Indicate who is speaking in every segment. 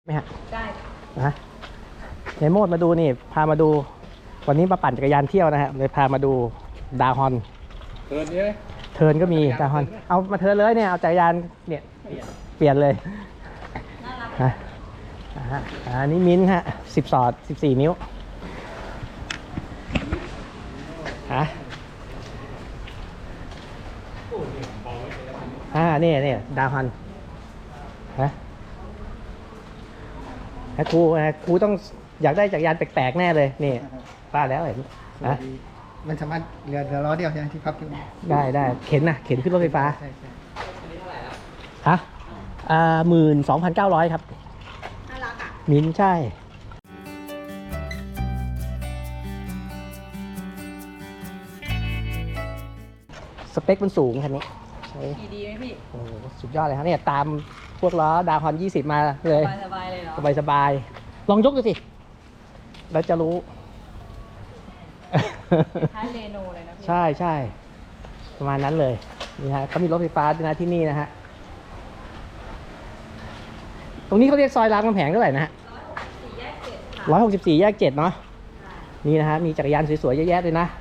Speaker 1: ไหมฮะ
Speaker 2: ได้
Speaker 1: นะในโมดมาดูนี่พามาดูวันนี้มาปั่นจักรยานเที่ยวนะฮะเลยพามาดูดาฮอน
Speaker 3: เทิร์นนี้ไหม
Speaker 1: เทิร์นก็มีดาฮอนเอามาเทิร์นเลยเนี่ยเอาจักรยานเนี่ยเปลี่ยนเลยฮะอันนี้มิ้นฮะ10 สอด 14 นิ้วฮะนี่ดาฮอนฮะครูต้องอยากได้จักรยานแปลกๆแน่เลยนี่ป้าแล้วเห็นนะ
Speaker 4: มันสามารถเรือล้อเดียวใช่ไหมที่พับอยู่
Speaker 1: ได้เข็นขึ้นรถไฟฟ้า
Speaker 4: ใช่
Speaker 1: ฮะ12,900 ครับ
Speaker 2: น่ารักอ่ะ
Speaker 1: มิ้นใช่สเปคมันสูงคันนี้
Speaker 2: ขี่ดีไหมพี่
Speaker 1: โอ้สุดยอดเลยครับเนี่ยตามพวกล้อดาวฮอน20 มาเลย
Speaker 2: สบายเลยเหรอ
Speaker 1: สบายลองยกดูสิเราจะรู้
Speaker 2: ท้ายเรโนเลยนะพี่
Speaker 1: ใช่ประมาณนั้นเลยนี่ฮะเขามีรถไฟฟ้าด้วยนะที่นี่นะฮะตรงนี้เขาเรียกซอยรามคำแหงเท่าไหร่นะฮะ164 แยก 7เนาะนี่นะฮะมีจักรยานสวยๆเยอะแยะเลยนะ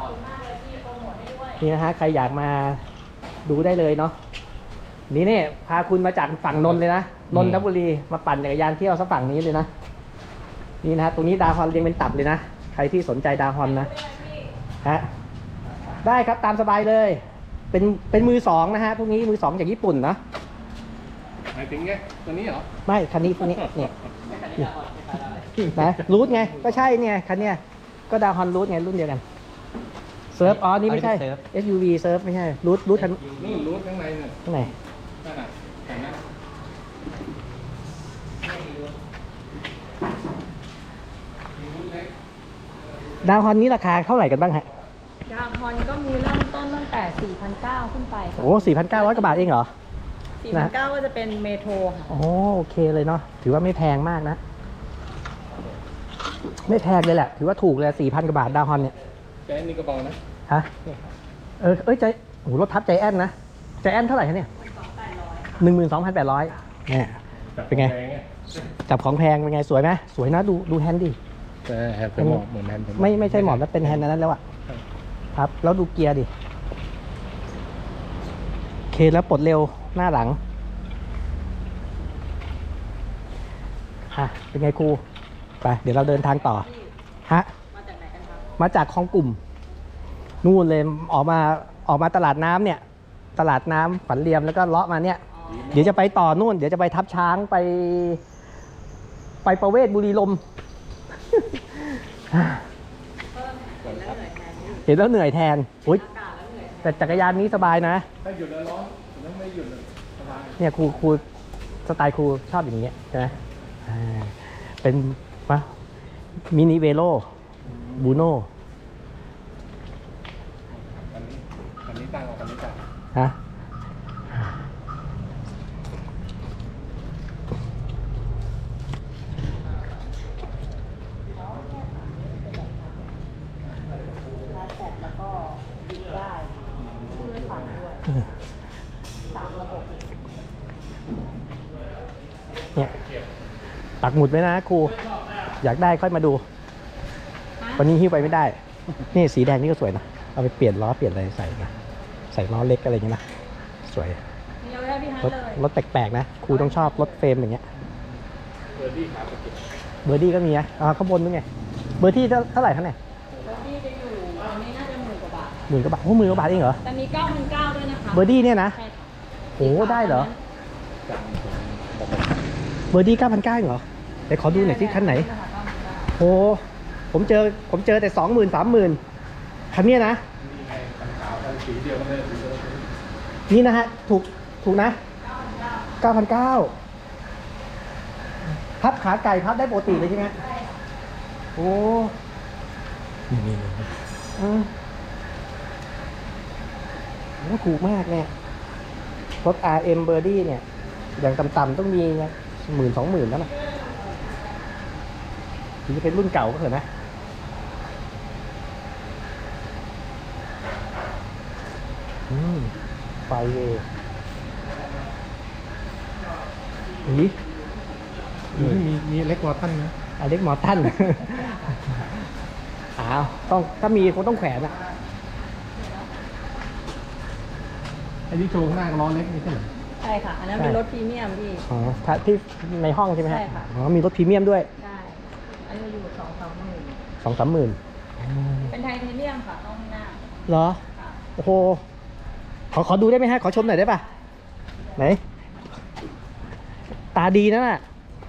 Speaker 1: นี่นะฮะใครอยากมาดูได้เลยเนาะนี่เนี่ยพาคุณมาจากฝั่งนนท์เลยนะนนทบุรีมาปั่นจักรยานเที่ยวสักฝั่งนี้เลยนะนี่นะฮะตรงนี้ดาวฮอนเรียงเป็นตับเลยนะใครที่สนใจดาวฮอนนะฮะได้ครับตามสบายเลยเป็นมือสองนะฮะพวกนี้มือสองจากญี่ปุ่นนะ
Speaker 3: หมายถึงไงตัวนี้เหรอ
Speaker 1: ไม่คันนี้พวกนี้เนี่ยนะรูทไงก็ใช่เนี่ยคันเนี้ยก็ดาวฮอนรูทไงรุ่นเดียวกันเซิร์ฟอ๋อนี่ไม่ใช่ SUV เซิร์ฟไม่ใช่รูทคัน
Speaker 3: นู่นรูทข้างในเนี่ย
Speaker 1: ข้างใน
Speaker 3: นั่นน่ะแต่นั้น
Speaker 1: ดาวฮอนนี้ราคาเท่าไหร่กันบ้างฮะ
Speaker 2: ดาวฮอนก็มีเริ่มต้นตั้งแต่ 4,900 ขึ้นไป
Speaker 1: โอ้ 4,900 กว่าบาทเองเหรอ
Speaker 2: 4,900 ก็จะเป็นเมโทรค่ะ
Speaker 1: โอ้โอเคเลยเนาะถือว่าไม่แพงมากนะไม่แพงเลยแหละถือว่าถูกเลย 4,000 กว่าบาทดาวฮอนเนี่ย
Speaker 3: ใจนี่ก็เบานะ
Speaker 1: ฮะใจโอ้รถทับใจแอนนะใจแอนเท่าไหร่คะเนี่ย12,800เนี่ยเป็นไงจับของแพงเป็นไงสวยไหมสวยนะดูแฮนด์ดิ
Speaker 3: แฮนด์เป็นหมอบเหมือนแฮนด์
Speaker 1: ไม่ใช่หมอบแล้วเป็นแฮนด์นั้นแล้วอะครับแล้วดูเกียร์ดิเคแล้วปลดเร็วหน้าหลังเป็นไงครูไปเดี๋ยวเราเดินทางต่อฮะ
Speaker 2: มาจากไหนกันครับ
Speaker 1: มาจากคลองกลุ่มนู่นเลยออกมาตลาดน้ำเนี่ยตลาดน้ำขวัญเรียมแล้วก็เลาะมาเนี่ยเดี๋ยวจะไปต่อนู่นเดี๋ยวจะไปทับช้างไปประเวศบุรีลมย์เห็นแล้วเหนื่อยแทนโอ๊ยแต่จักรยานนี้สบายนะ
Speaker 3: ถ้าหยุดแล้วร้อนถ้าไม่หยุดสบาย
Speaker 1: เนี่ยครูสไตล์ครูชอบอย่างเงี้ยใช่ไหมเป็นมินิเวโรบูโน่
Speaker 3: อันนี้ตั้งอันนี้ตั้ง
Speaker 1: ฮะเนี่ยปักหมุดไว้นะครูอยากได้ค่อยมาดูวันนี้หิ้วไปไม่ได้นี่สีแดงนี่ก็สวยนะเอาไปเปลี่ยนล้อเปลี่ยนอะไรใส่ล้อเล็กอะไรอย่างเงี้ยนะสวยรถแปลกๆนะครูต้องชอบรถเฟรมอย่างเงี้ยเบอร์ดี้ก็มีนะข้างบนนู้นไงเบอร์ดี้เท่าไหร่ครับเนี่ย
Speaker 2: เบอร์ดี้จะอยู่อันนี้น่าจะ10,000 กว่าบาท
Speaker 1: 10,000 กว่าบาทโอ้10,000 กว่าบาทเองเหรอ
Speaker 2: แต่มี9,900ด้วยนะคะ
Speaker 1: เบอร์ดี้เนี่ยนะโอ้ได้เหรอเบอร์ดี้9,900เหรอเดี๋ยวขอดูหน่อยสิคันไหนโอ้ผมเจอแต่ 20,000 30,000คันนี้นะนี่นะฮะถูกนะ 9,900พับขาไก่พับได้ปกติเลยใช่ไหมโอ้นี่ถูกมากเนี่ยรถ RM เบอร์ดี้เนี่ยอย่างต่ำๆต้องมี10,000-20,000แล้วนะถึงจะเป็นรุ่นเก่าก็เถอะนะไฟเวย์
Speaker 3: มีเล็กกว่าท่านนะ
Speaker 1: อเล็กมอร์ตัน อ้าวต้องถ้ามีคงต้องแขวนอะ
Speaker 3: ไอ้ที่โชว์ข้างหน้าก็ล้อเล็กนี่ใช่ไหม
Speaker 2: ใช่ค่ะ อันนั้นเป็นรถพรีเมียมพี่
Speaker 1: อ๋อถ้าที่ในห้องใช่ไหมฮะ
Speaker 2: ใช่ค่ะ
Speaker 1: อ๋อมีรถพรีเมียมด้วย
Speaker 2: ใช่ อันนี้อยู่2-3หมื่น
Speaker 1: 2-3 หมื่น
Speaker 2: เป็นไทเทเนียมค่ะต้องหน้า
Speaker 1: เหรอ
Speaker 2: ค่ะ
Speaker 1: โอ้โห ขอดูได้ไหมฮะ ขอชมหน่อยได้ป่ะ ไหน ตาดีนะน่ะ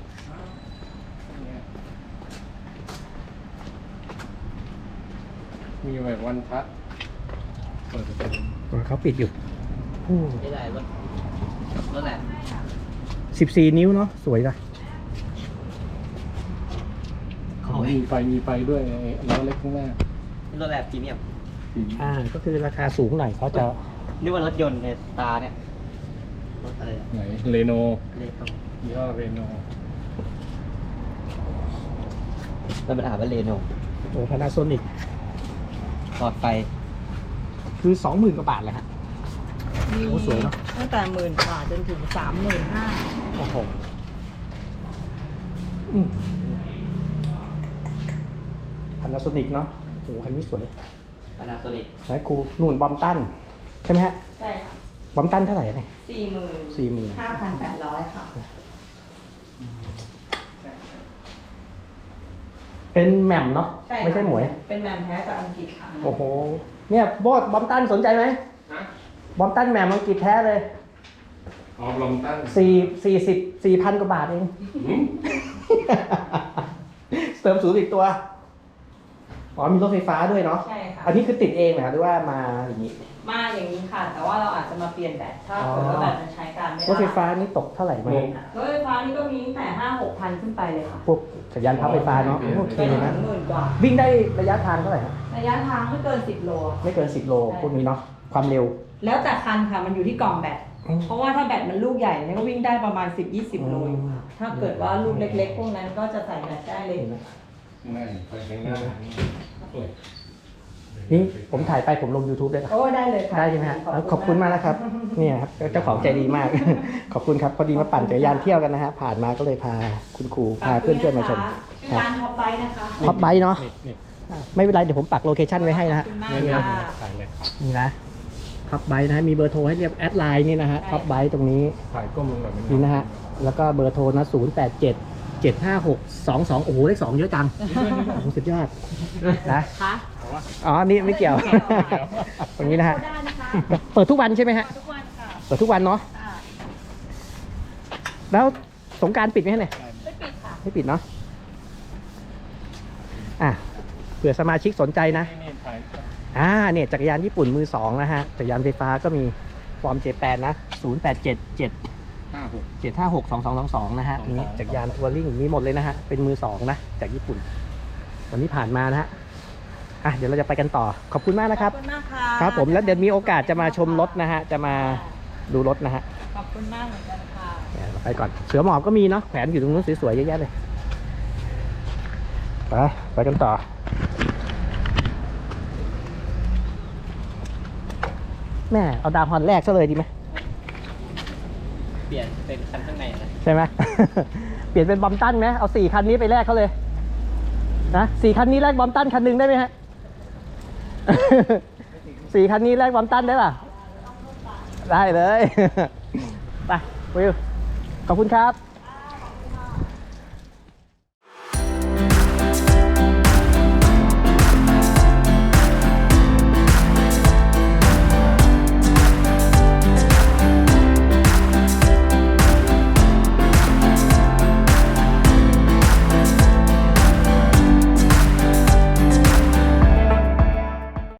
Speaker 3: มีแบบวันพัดเปิดประตู
Speaker 1: เขาปิดอยู่
Speaker 5: นี่แหละรถแหละ
Speaker 1: 14 นิ้วเนาะ สวยนะ
Speaker 3: มีไฟด้วยไอ้ล้อเล็กข้างหน้าร
Speaker 5: ถแหละพรีเมียม
Speaker 1: ก็คือราคาสูงหน่อยเขาจะ
Speaker 5: นึกว่ารถยนต์ในตาเนี่ย รถอะไรอะ
Speaker 3: ไหนเรโน
Speaker 5: เรียกเขา
Speaker 3: ยี่ห้อเรโน
Speaker 5: แล้วมันอ่านว่าเรโน
Speaker 1: โอ้พานาโซนิก
Speaker 5: หลอดไฟ
Speaker 1: คือ 20,000 กว่าบาทเลยฮะ
Speaker 2: มี
Speaker 1: โอ้สวยเนอะ
Speaker 2: ตั้งแต่10,000 บาทจนถึง35,000
Speaker 1: โอ้โหพานาโซนิกเนาะโอ้โหคันนี้สวย
Speaker 5: พานาโซนิก
Speaker 1: ไหนครูนู่นบอมตัน ใช่ไหมฮะ
Speaker 2: ใช่ค่ะ
Speaker 1: บอมตันเท่าไหร่เนี่ย
Speaker 2: 40,000
Speaker 1: 40,000
Speaker 2: 5,800 ค่ะ
Speaker 1: เป็นแหม่มเนาะ
Speaker 2: ใช่ค่ะ
Speaker 1: ไม่ใช่หมวย
Speaker 2: เป็นแมนแท้จากอังกฤษค่ะ
Speaker 1: โอ้โห เนี่ยโบอสบอมตันสนใจไหมบอมตันแหม่มอังกฤษแท้เลย
Speaker 3: อ๋อลมตั้ง
Speaker 1: 4,000 กว่าบาทเอง เติมศูนย์อีกตัว อ๋อมีรถไฟฟ้าด้วยเนาะ
Speaker 2: ใช่ค่ะ
Speaker 1: อันนี้คือติดเองนะหรือว่ามาอย่างนี้
Speaker 2: มาอย่างนี้ค่ะ แต่ว่าเราอาจจะมาเปลี่ยนแบตถ้าเกิดว่าแบตมันใช้การไม่ได้
Speaker 1: รถไฟฟ้านี่ตกเท่าไหร่ไหม
Speaker 2: รถไฟฟ้านี่ก็มีตั้งแต่5-6,000 ขึ้นไปเลยค่ะ
Speaker 1: พวกสัญญาณพับไฟฟ้าเนาะโอเค
Speaker 2: เป็น
Speaker 1: นะ
Speaker 2: 10,000 กว่า
Speaker 1: วิ่งได้ระยะทางเท่าไหร่ครับ
Speaker 2: ระยะทางไม่เกิน10 โล
Speaker 1: ไม่เกิน 10 โลพวกนี้เนาะ ความเร็ว
Speaker 2: แล้วแต่คันค่ะ มันอยู่ที่กล่องแบต
Speaker 1: อืม
Speaker 2: เพราะว่าถ้าแบตมันลูกใหญ่เนี่ยก็วิ่งได้ประมาณ 10-20 โลอยู่ค่ะ
Speaker 1: อืม
Speaker 2: ถ้าเกิดว่าลูกเล็กๆ พวกนั้นก็จะใส่แบตได้เลย
Speaker 3: นั่นไฟข้างหน้าโอ้ย
Speaker 1: นี่ผมถ่ายไปผมลง YouTube ได้ปะ
Speaker 2: โอ้ได้เลยค่ะ
Speaker 1: ได้ใช่ไหมฮะขอบคุณมากนะครับ เนี่ยครับเจ้าของใจดีมาก ขอบคุณครับ พอดีมาปั่นจักรยานเที่ยวกันนะฮะ ผ่านมาก็เลยพาคุณครูพาเพื่อนๆมาชม
Speaker 2: ชื่อร้านท็อปไบนะคะ
Speaker 1: ท็อปไบค์เนาะ
Speaker 3: นี่
Speaker 1: ไม่เป็นไร เดี๋ยวผมปักโลเคชั่นไว้ให้นะ
Speaker 2: ขอ
Speaker 1: ฮะ
Speaker 2: บคุณมาก
Speaker 3: นี่
Speaker 2: ค่ะ
Speaker 3: ถ่ายเลย
Speaker 1: นี่นะท็อปไบค์นะฮะมีเบอร์โทรให้เรียบแอดไลน์นี่นะฮะท็อปไบค์ตรงนี้
Speaker 3: ถ่ายก้มลงแบบนี้
Speaker 1: นี่นะฮะ แล้วก็เบอร์โทรนะ087-756-22 โอ้โหเลข2เยอะจังโอ้โหสุดยอดนะ
Speaker 2: ค่ะ
Speaker 1: อ๋อ นี่ไม่เกี่ยว ตรงนี้นะฮะ
Speaker 2: โทรได้นะคะ
Speaker 1: เปิดทุกวันใช่ไหมฮะ
Speaker 2: ทุกวันค่ะ
Speaker 1: เปิดทุกวันเนาะ
Speaker 2: ค่ะ
Speaker 1: แล้วสงกรารปิดไหมฮะเนี่ย
Speaker 2: ไม่ปิดค่ะ
Speaker 1: ไม่ปิดเนาะ อ่ะ เผื่อสมาชิกสนใจนะ
Speaker 3: นี่ถ่าย
Speaker 1: เนี่ยจักรยานญี่ปุ่นมือสองนะฮะ จักรยานไฟฟ้าก็มีฟอร์ม J8 นะ 0877562222 นะฮะนี่จักรยานทัวริ่งมีหมดเลยนะฮะ เป็นมือสองนะ จากญี่ปุ่น วันนี้ผ่านมานะฮะ อ่ะ เดี๋ยวเราจะไปกันต่อ ขอบคุณมากนะครับ
Speaker 2: ขอบคุณมากค่ะ
Speaker 1: ครับผม แล้วเดี๋ยวมีโอกาสจะมาชมรถนะฮะ จะมาดูรถนะฮะ
Speaker 2: ขอบคุณมากเหมือนกันค่ะ
Speaker 1: เราไปก่อน เสือหมอบก็มีเนาะ แขวนอยู่ตรงนู้นสวยๆเยอะแยะเลย ไปกันต่อ แม่เอาดาวฮอนแรกซะเลยดีไหม
Speaker 5: เปลี่ยนเป็นคันข้างในนะ
Speaker 1: ใช่ไหม เปลี่ยนเป็นบอมตันไหมเอา4 คันนี้ไปแลกเขาเลยนะ4 คันนี้แลกบอมตันคันหนึ่งได้ไหมฮะ 4 คันนี้แลกบอมตันได้ป่ะ ได้เลย ไปวิวขอบคุณครับ